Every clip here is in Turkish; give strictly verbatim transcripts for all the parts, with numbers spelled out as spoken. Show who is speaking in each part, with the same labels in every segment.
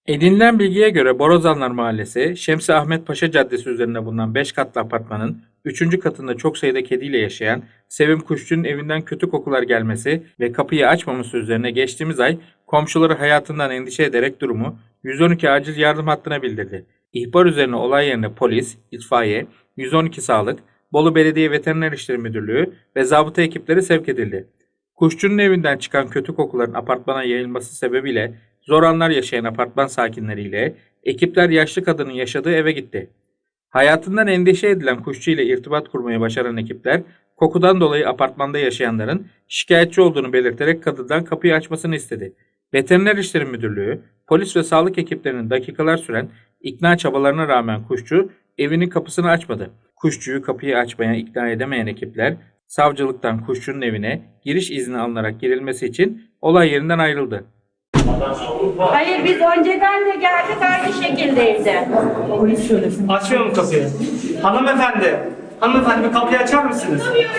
Speaker 1: Edinilen bilgiye göre Borazanlar Mahallesi, Şemsi Ahmet Paşa Caddesi üzerinde bulunan beş katlı apartmanın üçüncü katında çok sayıda kediyle yaşayan Sevim Kuşçu'nun evinden kötü kokular gelmesi ve kapıyı açmaması üzerine geçtiğimiz ay komşuları hayatından endişe ederek durumu yüz on iki acil yardım hattına bildirdi. İhbar üzerine olay yerine polis, itfaiye, yüz on iki sağlık, Bolu Belediye Veteriner İşleri Müdürlüğü ve zabıta ekipleri sevk edildi. Kuşçu'nun evinden çıkan kötü kokuların apartmana yayılması sebebiyle zor anlar yaşayan apartman sakinleriyle ekipler yaşlı kadının yaşadığı eve gitti. Hayatından endişe edilen kuşçu ile irtibat kurmayı başaran ekipler kokudan dolayı apartmanda yaşayanların şikayetçi olduğunu belirterek kadından kapıyı açmasını istedi. Veteriner İşleri Müdürlüğü, polis ve sağlık ekiplerinin dakikalar süren ikna çabalarına rağmen kuşçu evinin kapısını açmadı. Kuşçuyu kapıyı açmaya ikna edemeyen ekipler savcılıktan kuşçunun evine giriş izni alınarak girilmesi için olay yerinden ayrıldı.
Speaker 2: Hayır, biz önceden de geldik, aynı şekildeydi.
Speaker 3: Açmıyor mu kapıyı? Hanımefendi, hanımefendi bir kapıyı açar mısınız?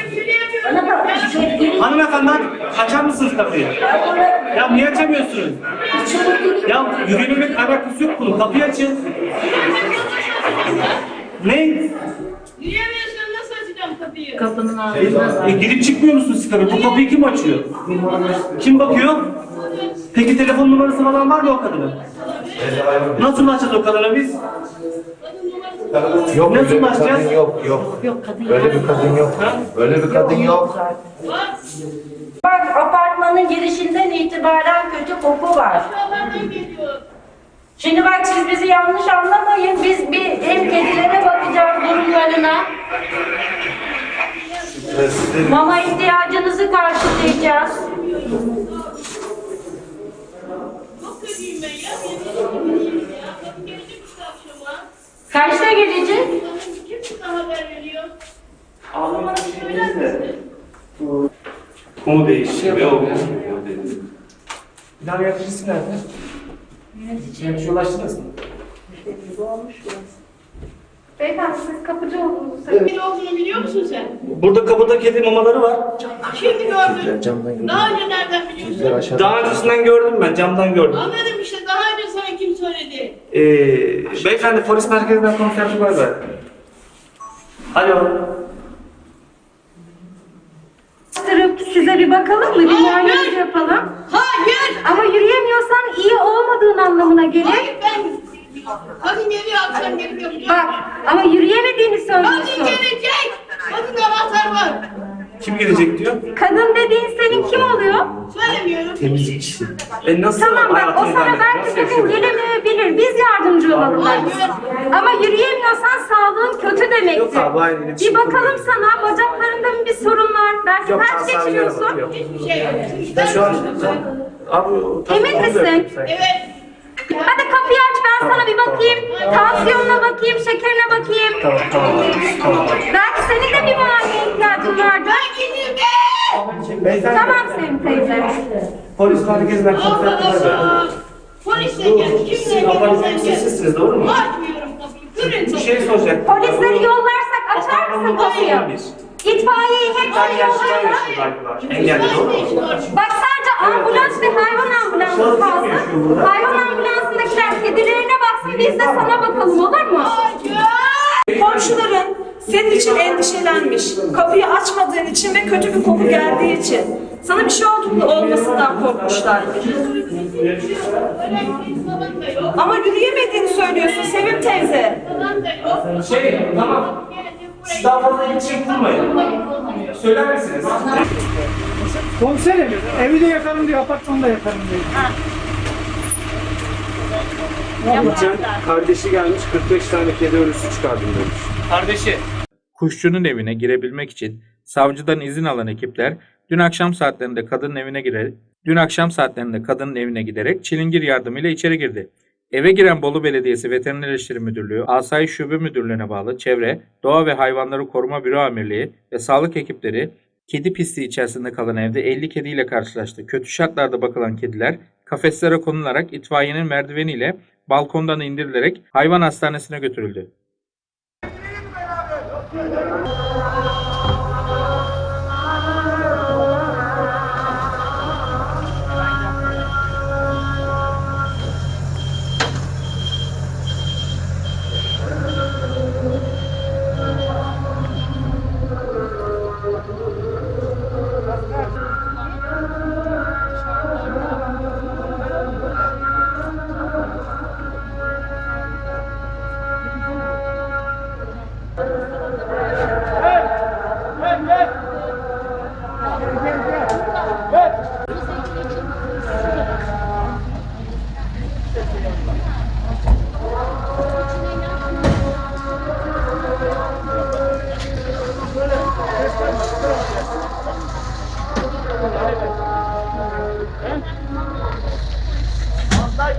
Speaker 3: Hanımefendi açar mısınız kapıyı? Ya niye açamıyorsunuz? Ya yürüyemek alakası yok bunun. Kapıyı açın. Ne?
Speaker 4: Yürüyemiyorsan nasıl açacağım kapıyı?
Speaker 2: Kapının ağzına.
Speaker 3: E, girip çıkmıyor musunuz siz kapıyı? Bu kapıyı kim açıyor? Kim bakıyor? Peki telefon numarası falan var mı o kadının? Nasıl açacağız o kadına biz?
Speaker 5: Yok,
Speaker 3: Nasıl
Speaker 5: öyle bir
Speaker 3: başlayacağız?
Speaker 5: kadın yok, yok.
Speaker 2: Yok, kadın
Speaker 5: Öyle bir kadın yok.
Speaker 3: Ha?
Speaker 5: Öyle bir kadın yok.
Speaker 2: Bak, apartmanın girişinden itibaren kötü koku var.
Speaker 4: Aşağılardan geliyor.
Speaker 2: Şimdi bak, siz bizi yanlış anlamayın. Biz bir hem kedilere bakacağız durumlarına. Mama ihtiyacınızı karşılayacağız.
Speaker 4: Çok kötüyüm ben ya. Yemin ederim ya. Kadın gelecek işte akşama.
Speaker 2: Kaçta gelecek?
Speaker 4: Kim size haber veriyor?
Speaker 3: Ağlamak
Speaker 4: Söyler misin?
Speaker 3: Konu değişiyor. Yok. Bilal yöneticisi nerede? Yönetici ulaştınız mı?
Speaker 6: Beyefendi siz kapıcı olduğunuzu söylüyorsunuz.
Speaker 4: Kim olduğunu biliyor musun sen?
Speaker 3: Burada kapıda kedi mamaları var.
Speaker 4: Şimdi gördüm.
Speaker 5: Camdan gördüm.
Speaker 4: Daha önce nereden biliyorsun?
Speaker 5: Aşağıda.
Speaker 3: Daha öncesinden gördüm ben, camdan gördüm.
Speaker 4: Anladım işte. Daha önce sana kim söyledi?
Speaker 3: Ee, beyefendi polis merkezinden komiser Tugay Bey. Alo.
Speaker 6: Bastırıp size bir bakalım mı? Bir muayenenizi yapalım.
Speaker 4: Hayır.
Speaker 6: Ama yürüyemiyorsan iyi olmadığın anlamına gelir.
Speaker 4: Hayır ben. Kadın geliyor akşam gelip yapacağım.
Speaker 6: Bak ama yürüyemediğini
Speaker 4: Kadın
Speaker 6: söylüyorsun.
Speaker 4: gelecek. Kadın anahtar var.
Speaker 3: Kim gelecek diyor?
Speaker 6: Kadın dediğin senin kim oluyor?
Speaker 4: Söylemiyorum.
Speaker 5: Temizlikçi.
Speaker 3: E nasıl
Speaker 6: Tamam bak, o
Speaker 3: hayatını
Speaker 6: sana
Speaker 3: idame
Speaker 6: belki
Speaker 3: ediyor? Nasıl
Speaker 6: bugün
Speaker 3: yaşıyor?
Speaker 6: gelemeyebilir. Biz yardımcı olalım.
Speaker 4: Hayır.
Speaker 6: Ama yürüyemiyorsan sağlığın kötü
Speaker 3: Yok
Speaker 6: demektir.
Speaker 3: abi, aynı
Speaker 6: Bir
Speaker 3: iletişim
Speaker 6: bakalım
Speaker 3: kurmuyorum.
Speaker 6: sana, bacaklarında mı bir sorun var? Belki
Speaker 3: Yok,
Speaker 6: felç
Speaker 3: hastaneye
Speaker 6: geçiriyorsun.
Speaker 3: bakıyor.
Speaker 4: Hiçbir şey yok.
Speaker 3: Ben şu an... Abi, o-
Speaker 6: Emin
Speaker 3: onu da
Speaker 6: misin?
Speaker 3: yapayım sen.
Speaker 4: Evet.
Speaker 6: Hadi kapıyı aç, ben sana bir bakayım. Tansiyonuna bakayım, şekerine bakayım.
Speaker 3: Tamam, tamam. Tamam.
Speaker 6: Belki senin de bir muayeneye ihtiyacın vardır.
Speaker 4: Ben gideyim be.
Speaker 3: Beyefendi,
Speaker 6: Tamam Sevim teyze.
Speaker 3: polis merkezinden komiser
Speaker 4: Allah
Speaker 3: Tugay Bey.
Speaker 4: Allah. Polis de
Speaker 3: Bu,
Speaker 4: gel.
Speaker 3: siz
Speaker 4: Kimle
Speaker 3: apartmanın
Speaker 4: gelirsen gel.
Speaker 3: sizsiniz, doğru mu?
Speaker 4: Açmıyorum kapıyı.
Speaker 3: Bir
Speaker 4: Kırın.
Speaker 3: şey soracak.
Speaker 6: Polisleri yollarsak açar mısın kapıyı? İtfaiyeyi
Speaker 3: Bir
Speaker 6: hepsini
Speaker 3: tane yaşlılar
Speaker 6: yollarsak.
Speaker 3: yaşıyor galiba. Engelli, doğru mu?
Speaker 6: Bak sadece ambulans ve hayvan ambulansı kaldı. Hayvan ambulansındakiler kedilerine baksın, biz de sana bakalım, olur mu?
Speaker 7: Komşuların senin için endişelenmiş, kapıyı açmadığın için ve kötü bir koku geldiği için. Sana bir şey olduğunda olmasından korkmuşlar. Ama yürüyemediğini söylüyorsun Sevim teyze.
Speaker 3: Şey, tamam. Siz daha fazla iletişim kurmayın. Söyler misiniz?
Speaker 8: Komiserim, evi de yakarım diyor, apartmanı da yakarım diyor.
Speaker 9: Geçen kardeşi gelmiş kırk beş tane kedi ölüsü çıkardım demiş.
Speaker 3: Kardeşi.
Speaker 1: Kuşçunun evine girebilmek için savcıdan izin alan ekipler dün akşam saatlerinde kadının evine girer, dün akşam saatlerinde kadının evine giderek çilingir yardımıyla içeri girdi. Eve giren Bolu Belediyesi Veteriner İşleri Müdürlüğü, Asayiş Şube Müdürlüğü'ne bağlı Çevre, Doğa ve Hayvanları Koruma Büro Amirliği ve sağlık ekipleri kedi pisliği içerisinde kalan evde elli kediyle karşılaştı. Kötü şartlarda bakılan kediler kafeslere konularak itfaiyenin merdiveniyle balkondan indirilerek hayvan hastanesine götürüldü.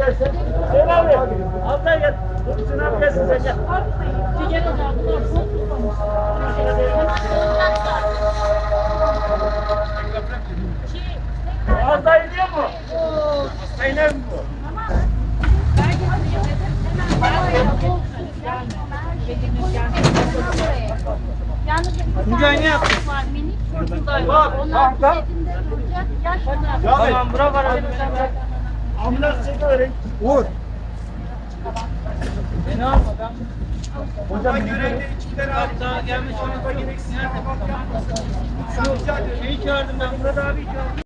Speaker 3: gelsin. Söyle abi. Abla gel. Dur Sinan gelsin sen gel. Az daha iniyor mu? Aynen bu.
Speaker 8: Tuncay ne yaptı?
Speaker 3: Tamam bırak arabayı. Ambulans çekiverin.
Speaker 8: Uğur.
Speaker 3: Hocam görevde iki tane abi daha gelmiş. Ona gereksiz. Nerede bak ya? Şu şeyi çağırdım ben. Murat abi çağırdım.